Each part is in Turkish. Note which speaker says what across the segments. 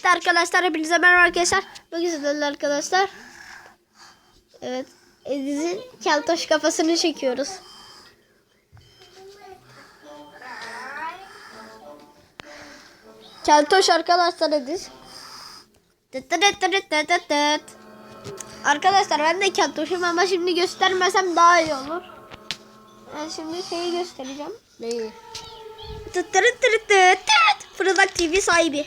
Speaker 1: Evet arkadaşlar, hepinize merhaba arkadaşlar. Bugün sizlerle arkadaşlar. Evet, Ediz'in keltoş kafasını çekiyoruz. Keltoş arkadaşlar Ediz. Arkadaşlar ben de keltoşum ama şimdi göstermesem daha iyi olur. Ben şimdi şeyi göstereceğim. Neyi? Fırıldak TV sahibi.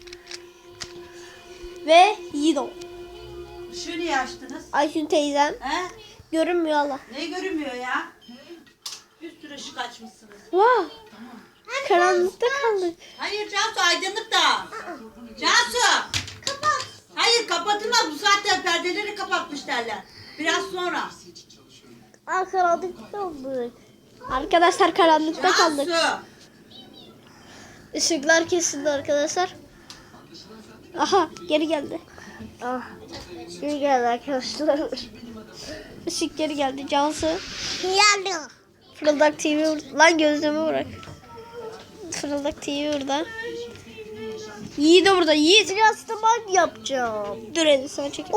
Speaker 1: Ve Yiğido.
Speaker 2: Işığı niye açtınız?
Speaker 1: Ayşun teyzem.
Speaker 2: He?
Speaker 1: Görünmüyor Allah.
Speaker 2: Ne görünmüyor ya? Bir sürü ışık açmışsınız.
Speaker 1: Wow. Karanlıkta kaldık.
Speaker 2: Hayır Cansu, aydınlık da. Cansu! Kapat. Hayır kapatılmaz, bu saatte perdeleri kapatmış derler. Biraz sonra.
Speaker 1: Karanlıkta kaldık. Arkadaşlar karanlıkta kaldık.
Speaker 2: Cansu!
Speaker 1: Işıklar kesildi arkadaşlar. Aha geri geldi. Ah, geri geldi arkadaşlar. Işık geri geldi. Cansu.
Speaker 3: Geldi.
Speaker 1: Fırıldak TV lan gözlüğümü bırak. Fırıldak TV burada. Yiğit de burada. Yiğit.
Speaker 3: Biraz da ben yapacağım.
Speaker 1: Dur hadi sana çek.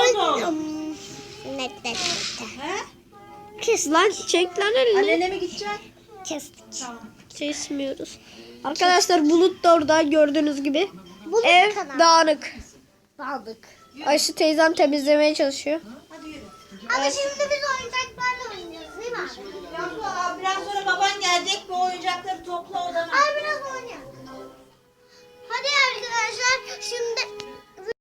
Speaker 3: Net.
Speaker 2: He?
Speaker 1: Kes lan, çek lan elini.
Speaker 2: Annene mi gideceksin?
Speaker 3: Kestik.
Speaker 2: Tamam.
Speaker 1: Kesmiyoruz. Arkadaşlar Bulut da orada gördüğünüz gibi.
Speaker 3: Bulut
Speaker 1: Ev
Speaker 3: kanal.
Speaker 1: dağınık.
Speaker 3: Aldık.
Speaker 1: Ayşe teyzem temizlemeye çalışıyor.
Speaker 2: Hadi yürü.
Speaker 3: Ama şimdi biz oyuncaklarla oynuyoruz değil mi abi?
Speaker 2: Cansu, biraz sonra baban gelecek, bu oyuncakları topla odana.
Speaker 3: Abi biraz oynayalım. Hadi arkadaşlar şimdi